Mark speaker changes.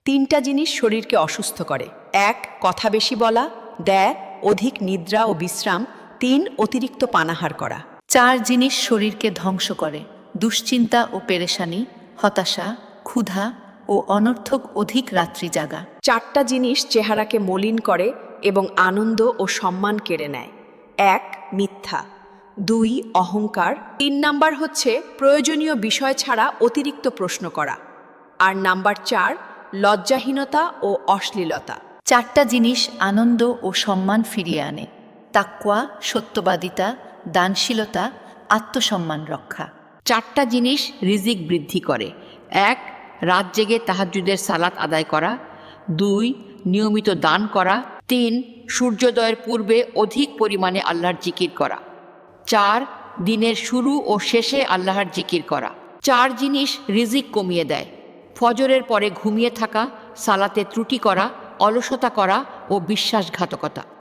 Speaker 1: তিনটা জিনিস শরীরকে অসুস্থ করে: এক, কথা বেশি বলা; দেয়, অধিক নিদ্রা ও বিশ্রাম; তিন, অতিরিক্ত পানাহার করা।
Speaker 2: চার জিনিস শরীরকে ধ্বংস করে: দুশ্চিন্তা ও পেরেশানি, হতাশা, ক্ষুধা ও অনর্থক অধিক রাত্রি জাগা।
Speaker 1: চারটা জিনিস চেহারাকে মলিন করে এবং আনন্দ ও সম্মান কেড়ে নেয়: এক, মিথ্যা; দুই, অহংকার; তিন নাম্বার হচ্ছে প্রয়োজনীয় বিষয় ছাড়া অতিরিক্ত প্রশ্ন করা; আর নাম্বার চার, লজ্জাহীনতা ও অশ্লীলতা।
Speaker 2: চারটা জিনিস আনন্দ ও সম্মান ফিরিয়ে আনে: তাকওয়া, সত্যবাদিতা, দানশীলতা, আত্মসম্মান রক্ষা।
Speaker 3: চারটা জিনিস রিজিক বৃদ্ধি করে: এক, রাত জেগে তাহাজ্জুদের সালাত আদায় করা; দুই, নিয়মিত দান করা; তিন, সূর্যোদয়ের পূর্বে অধিক পরিমাণে আল্লাহর জিকির করা; চার, দিনের শুরু ও শেষে আল্লাহর জিকির করা। চার জিনিস রিজিক কমিয়ে দেয়: ফজরের পরে ঘুমিয়ে থাকা, সালাতে ত্রুটি করা, অলসতা করা ও বিশ্বাসঘাতকতা।